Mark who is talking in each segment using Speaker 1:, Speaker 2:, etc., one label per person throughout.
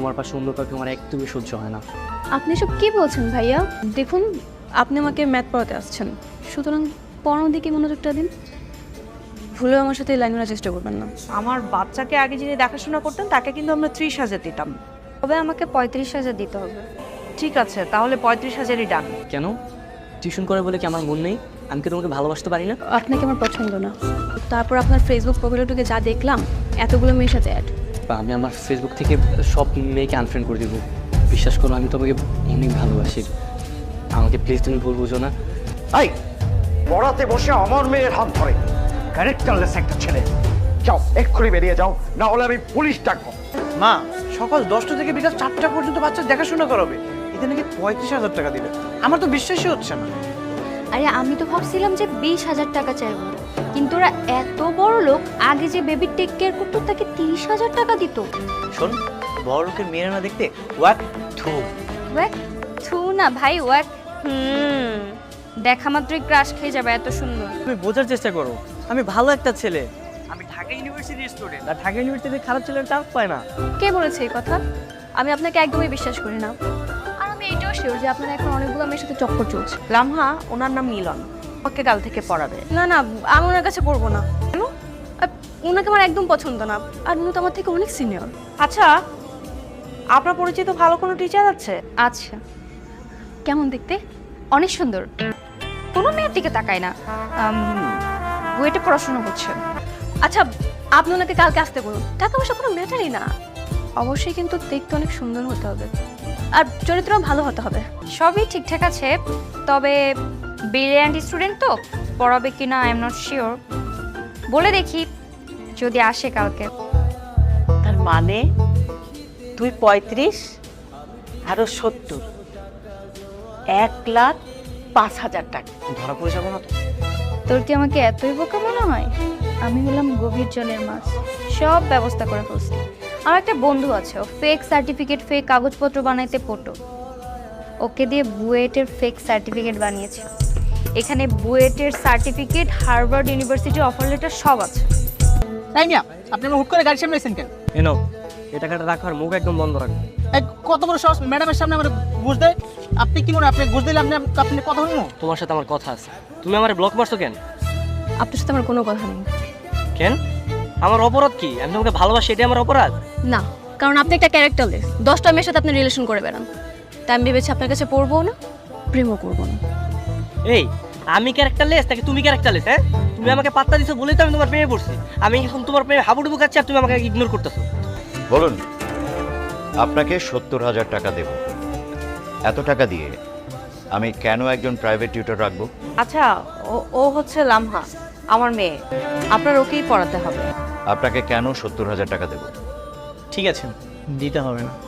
Speaker 1: তোমার পাশে সুন্দর কাউকে আমার একদমই সহ্য হয় না।
Speaker 2: আপনি সব কি বলছেন ভাইয়া? দেখুন, আপনি আমাকে ম্যাথ পড়াতে আসছেন, সুতরাং পড়ানোর দিকে মনোযোগটা দিন। ভুলেও আমার সাথে লাইন মারার চেষ্টা করবেন না।
Speaker 3: আমার বাচ্চাকে আগে যিনি দেখাশোনা করতেন তাকে কিন্তু আমরা 30,000 দিতাম।
Speaker 2: তবে আমাকে 35,000 দিতে হবে।
Speaker 3: ঠিক আছে, তাহলে 35,000ই ডান।
Speaker 1: কেন? টিউশন করে বলে কি আমার মন নেই? আমি কি তোমাকে ভালোবাসতে পারি না?
Speaker 2: আপনাকে আমার পছন্দ না। তারপর আপনার ফেসবুক প্রোফাইলটাকে যা দেখলাম, এতগুলো মেয়ের সাথে অ্যাড।
Speaker 1: বা আমি আমার ফেসবুক থেকে সব মেয়েকে আনফ্রেন্ড করে দেবো। বিশ্বাস করো, আমি তোমাকে অনেক ভালোবাসি। আমাকে প্লিজ তুমি ভুল বুঝো না।
Speaker 4: এই পড়াতে বসে আমার মেয়ের হাত ধরে, ক্যারেক্টারলেস একটা ছেলে। যাও, এক্ষুনি বেরিয়ে যাও, না হলে আমি পুলিশ ডাকবো।
Speaker 5: মা, সকাল 10টা থেকে বিকাল 4টা পর্যন্ত বাচ্চা দেখাশোনা করাবে, এতে নাকি 35,000 টাকা দিবে। আমার তো বিশ্বাসই হচ্ছে না।
Speaker 2: আরে আমি তো ভাবছিলাম যে 20,000 টাকা চাইবো, কিন্তু ওরা এত বড় লোক, আগে যে বেবি টেক কেয়ার করতো তাকে 30,000 টাকা দিত।
Speaker 5: শোন, বড় লোকের মেয়েরা না দেখতে ওয়াক থু।
Speaker 2: ওয়াক থু না ভাই, ওয়াক দেখা মাত্রই ক্রাশ খেয়ে যাবে, এত সুন্দর।
Speaker 5: তুমি বোঝার চেষ্টা করো, আমি ভালো একটা ছেলে। আমি ঢাকা ইউনিভার্সিটির স্টুডেন্ট, আর ঢাকা ইউনিভার্সিটিতে খারাপ ছেলের চান্স পায় না।
Speaker 2: কে বলেছে এই কথা? আমি আপনাকে একদমই বিশ্বাস করি না। আর আমি এটাও শিওর যে আপনার এখন অনেকগুলো মেয়ের সাথে চক্কর চলছে।
Speaker 3: লামহা, ওনার নাম মিলন, ওকে কাল থেকে পড়াবে।
Speaker 2: না না, আমি ওনার কাছে পড়বো না। কেন? ওনাকে আমার একদম পছন্দ না, আর উনি তো আমার থেকে অনেক সিনিয়র।
Speaker 3: আচ্ছা, আপনার পরিচিত ভালো কোনো টিচার আছে?
Speaker 2: আচ্ছা, কেমন দেখতে? অনেক সুন্দর, কোনো মেয়ের দিকে তাকায় না, বুয়েটে পড়াশোনা করছে। আচ্ছা, আপনি ওনাকে কালকে আসতে বলুন, টাকা পয়সা কোনো ম্যাটারই না। অবশ্যই কিন্তু দেখতে অনেক সুন্দর হতে হবে, আর চরিত্রও ভালো হতে হবে।
Speaker 6: সবই ঠিকঠাক আছে, তবে ব্রিলিয়ান্ট স্টুডেন্ট তো, পড়াবে কিনা আই এম নট শিওর। বলে দেখি যদি আসে কালকে।
Speaker 3: তার মানে তুই 35 আরো 70, 1,05,000 টাকা।
Speaker 5: ধরা পড়ে যাবো না তো?
Speaker 6: তোর কি আমাকে এতই বোকা মনে হয়? আমি হলাম গভীর জলের মাছ, সব ব্যবস্থা করে ফেলছি। আমার একটা বন্ধু আছে, ও ফেক সার্টিফিকেট, ফেক কাগজপত্র বানাইতে পড়তো। ওকে দিয়ে বুয়েটের ফেক সার্টিফিকেট বানিয়েছে। এখানে বুয়েটের সার্টিফিকেট, হার্ভার্ড ইউনিভার্সিটির অফার লেটার সব আছে।
Speaker 7: তাই না? আপনি আমার হুট করে গাড়ি সামনে এসেছেন কেন?
Speaker 1: এনো, এই টাকাটা রাখার মুখ একদম বন্ধ রাখো।
Speaker 7: এই কত বড় সাহস ম্যাডামের সামনে আমার ঘুষ দেয়? আপনি কি মনে হয় আপনি ঘুষ দিলে আপনি কথা বলবো?
Speaker 1: তোমার সাথে আমার কথা আছে। তুমি আমার ব্লক মারছো কেন?
Speaker 2: আপনার সাথে আমার কোনো কথা নেই।
Speaker 1: কেন? আমার অপরাধ কি? আমি তোমাকে ভালোবাসি, এটাই আমার অপরাধ?
Speaker 2: না, কারণ আপনি একটা ক্যারেক্টারলেস। 10টা মেয়ের সাথে আপনি রিলেশন করে বেড়ান, তাই আমি ভেবেছি আপনার কাছে পড়বো না, প্রেমও করবো না।
Speaker 1: এই, আমি ক্যারেক্টারলেস নাকি তুমি ক্যারেক্টারলেস? হ্যাঁ, তুমি আমাকে পাত্তা দিছো বলেই তো আমি তোমার প্রেমে পড়ছি। আমি এখন তোমার প্রেমে হাবুডুবু খাচ্ছি আর তুমি আমাকে ইগনোর করতেছো।
Speaker 4: বলুন, আপনাকে 70,000 টাকা দেব। এত টাকা দিয়ে আমি কেন একজন প্রাইভেট টিউটর রাখবো?
Speaker 3: আচ্ছা, ও হচ্ছে লামহা, আমার মেয়ে। আপনার ওকেই পড়াতে হবে।
Speaker 4: আপনাকে কেন 70,000 টাকা দেব?
Speaker 5: ঠিক আছে, দিতে হবে না।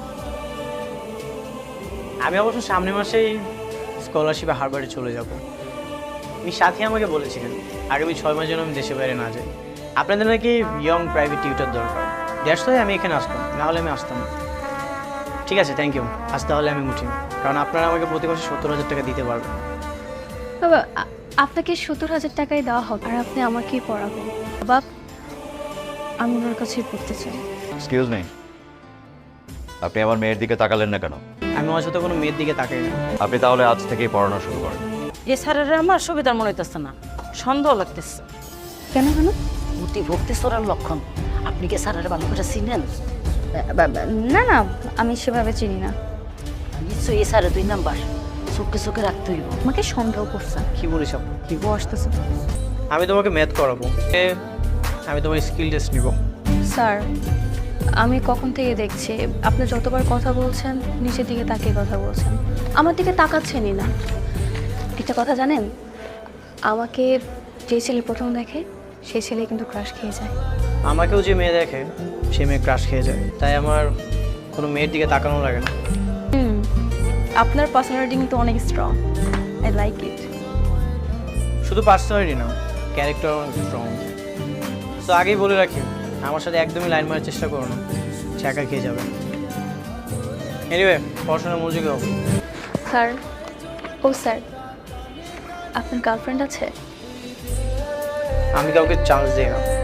Speaker 5: আমি অবশ্য সামনের মাসেই স্কলারশিপে হার্ভার্ডে চলে যাব। আমি সাথী আমাকে বলেছিলেন আগামী 6 মাস যেন আমি দেশে বাইরে না যাই। আপনাদের নাকি ইয়ং প্রাইভেট টিউটর দরকার, দ্যাটস ওয়াই আমি এখানে আসলাম, না হলে আমি আসতাম না। ঠিক আছে, থ্যাংক ইউ। আজ তাহলে আমি উঠি, কারণ আপনারা আমাকে প্রতি মাসে 70,000 টাকা দিতে পারবেন।
Speaker 2: বাবা, আপনাকে 70,000 টাকাই দেওয়া হবে, আর আপনি আমাকেই পড়াবেন। বাবা, আমি ওনার কাছেই পড়তে চাই।
Speaker 4: এক্সকিউজ মি, আপনি আমার মেয়ের দিকে তাকালেন না কেন?
Speaker 5: আমি আমার সাথে কোনো মেয়ের দিকে তাকাই না।
Speaker 4: আপনি তাহলে আজ থেকেই পড়ানো শুরু করেন।
Speaker 3: এ স্যারের আমার সুবিধার মনে হইতেছে না, সন্দেহ লাগতেছে।
Speaker 2: কেন কেন?
Speaker 3: অতি ভক্তি চোরার লক্ষণ। আপনি কি স্যারের ভালো করে চিনেন?
Speaker 6: না না, আমি সেভাবে চিনি না।
Speaker 3: নিশ্চয়ই এ স্যারের 2 নাম্বার, চোখে চোখে রাখতে হইব।
Speaker 2: আমাকে সন্দেহ করছেন?
Speaker 5: কি বলিস আপনি?
Speaker 2: কি আসতেছে?
Speaker 5: আমি তোমাকে ম্যাথ করাবো, আমি তোমার স্কিল টেস্ট নিব।
Speaker 2: স্যার, আমি কখন থেকে দেখছি আপনি যতবার কথা বলছেন নিচের দিকে তাকিয়ে কথা বলছেন, আমার দিকে তাকাচ্ছেনই না। একটা কথা জানেন, আমাকে যে ছেলে প্রথম দেখে সেই ছেলে কিন্তু ক্রাশ খেয়ে যায়।
Speaker 5: আমাকেও যে মেয়ে দেখে সে মেয়ে ক্রাশ খেয়ে যায়, তাই আমার কোনো মেয়ের দিকে তাকানো লাগে না।
Speaker 2: আপনার পার্সোনালিটি কিন্তু অনেক স্ট্রং, আই লাইক ইট।
Speaker 5: শুধু পার্সোনালিটি না, ক্যারেক্টার স্ট্রং। তো আগেই বলে রাখি, আমার সাথে একদমই লাইন মারার চেষ্টা করো না, ছ্যাঁকা খেয়ে যাবে। এনিওয়ে, পড়াশোনার মনোযোগী হবে।
Speaker 2: স্যার, ও স্যার, আপনার গার্লফ্রেন্ড আছে?
Speaker 5: আমি কাউকে চান্স দিই না।